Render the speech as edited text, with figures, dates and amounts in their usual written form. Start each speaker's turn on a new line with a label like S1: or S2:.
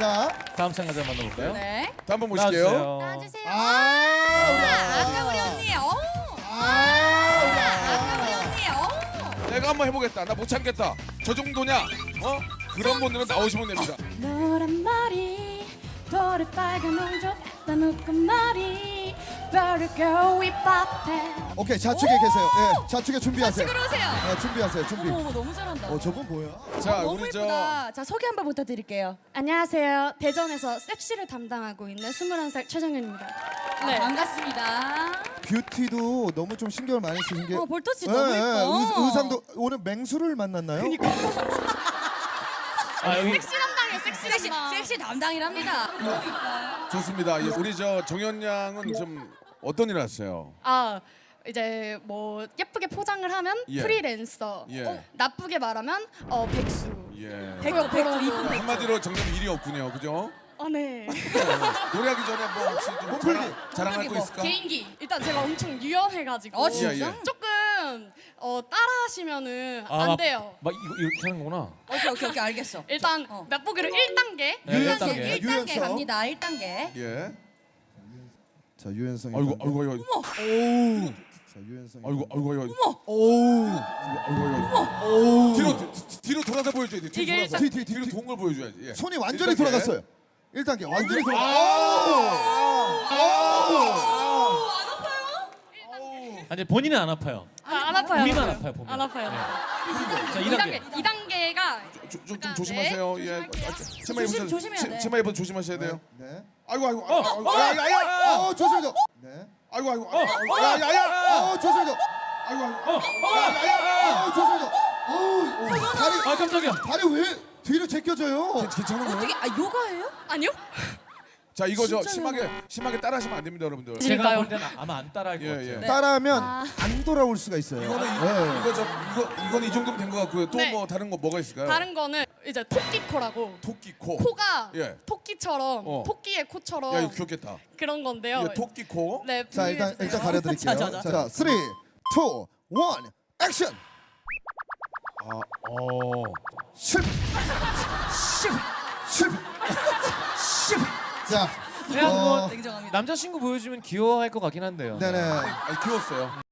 S1: 자,
S2: 다음 참가자 만나볼까요?
S3: 네.
S4: 다음 번 보실게요.
S2: 나와주세요.
S3: 나와주세요.
S1: 아,
S3: 우리 언니.
S1: 아,
S3: 우리 언니.
S4: 내가 한번 해보겠다. 나 못 참겠다. 저 정도냐? 그런 분들은 나오시면 됩니다.
S5: 노란 머리 볼을 빨간 옹조 나 묶은 머리 별을 윗 밭에
S1: 오케이, 좌측에 계세요. 예, 좌측에 준비하세요.
S3: 좌측으로 오세요.
S1: 네, 준비하세요. 준비.
S3: 어머, 너무 잘한다.
S1: 저분 뭐야?
S4: 자,
S3: 너무
S4: 우리
S3: 예쁘다. 자, 소개 한번 부탁드릴게요.
S5: 안녕하세요. 대전에서 섹시를 담당하고 있는 21살 최정현입니다. 네.
S3: 반갑습니다.
S1: 뷰티도 너무 좀 신경을 많이 쓰신 게.
S3: 볼터치 너무 예뻐.
S1: 의상도 오늘 맹수를 만났나요?
S2: 아 여기
S5: 섹시 담당이에요. 섹시 담당.
S3: 섹시 담당이랍니다.
S4: 좋습니다. 예, 우리 저 정현 양은 좀 어떤 일 하세요?
S5: 이제 뭐 예쁘게 포장을 하면
S4: 예.
S5: 프리랜서.
S4: 예.
S5: 나쁘게 말하면 백수.
S4: 예.
S3: 백조 이분 백조.
S4: 한마디로 정현 일이 없군요. 그죠?
S5: 네.
S4: 노래하기 전에 뭐 혹시 좀 자랑할 거
S3: 뭐,
S4: 있을까?
S5: 개인기. 일단 제가 엄청 유연해가지고.
S4: 진짜? 예, 예.
S5: 조금 따라하시면은 안 돼요.
S2: 막 이거 이렇게 하는 거구나.
S3: 오케이 알겠어.
S5: 일단 맛보기를 1단계.
S2: 네,
S1: 유연성.
S2: 1단계.
S3: 1단계
S1: 유연성.
S3: 갑니다. 1단계.
S4: 예.
S1: 자, 유연성이.
S4: 아이고.
S1: 자, 유연성이.
S4: 아이고. 뒤로 돌아서 보여줘야 돼.
S5: 이게
S4: 뒤로 돌아서.
S1: 일단-
S4: 뒤로 돈 걸 보여줘야지. 예.
S1: 손이 완전히
S4: 1단계.
S1: 돌아갔어요. 1단계 완전히 돌아.
S2: 아니 본인은 안 아파요.
S5: 안 아파요.
S2: 우리만 아파요 보면.
S5: 안 아파요.
S2: 자 2단계.
S5: 2단계가
S4: 좀 조심하세요. 예. 치마 입으셔.
S3: 조심해야 돼.
S4: 치마 입어 조심하셔야 돼요.
S1: 네.
S4: 아이고.
S1: 야야야. 조심해요. 네.
S4: 아이고. 야야야.
S1: 조심해요.
S4: 아이고.
S1: 조심해요. 다리
S2: 아 깜짝이야.
S1: 다리 왜 뒤로 제껴져요?
S4: 괜찮은 거예요?
S3: 어떻게 요가예요?
S5: 아니요?
S4: 자, 이거 저 심하게 따라하시면 안 됩니다, 여러분들.
S2: 제가 볼 때는 아마 안 따라할 것
S4: 예,
S2: 같아요.
S4: 예.
S1: 따라하면 안 돌아올 수가 있어요.
S4: 이거는 이 정도면 된 것 같고요. 또
S5: 네.
S4: 뭐 다른 거 뭐가 있을까요?
S5: 다른 거는 이제 토끼코라고
S4: 토끼 코.
S5: 코가
S4: 예.
S5: 토끼처럼
S4: 야,
S5: 토끼의
S4: 이거
S5: 코처럼
S4: 귀엽겠다.
S5: 그런 건데요.
S4: 예, 토끼 코.
S5: 네,
S1: 자, 일단
S5: 분리해주세요.
S1: 가려드릴게요.
S3: 자.
S1: 자, 3, 2, 1, 액션. 실패. 자,
S2: 그냥 뭐
S3: 냉정합니다.
S2: 남자친구 보여주면 귀여워할 것 같긴 한데요.
S1: 네네.
S4: 귀여웠어요.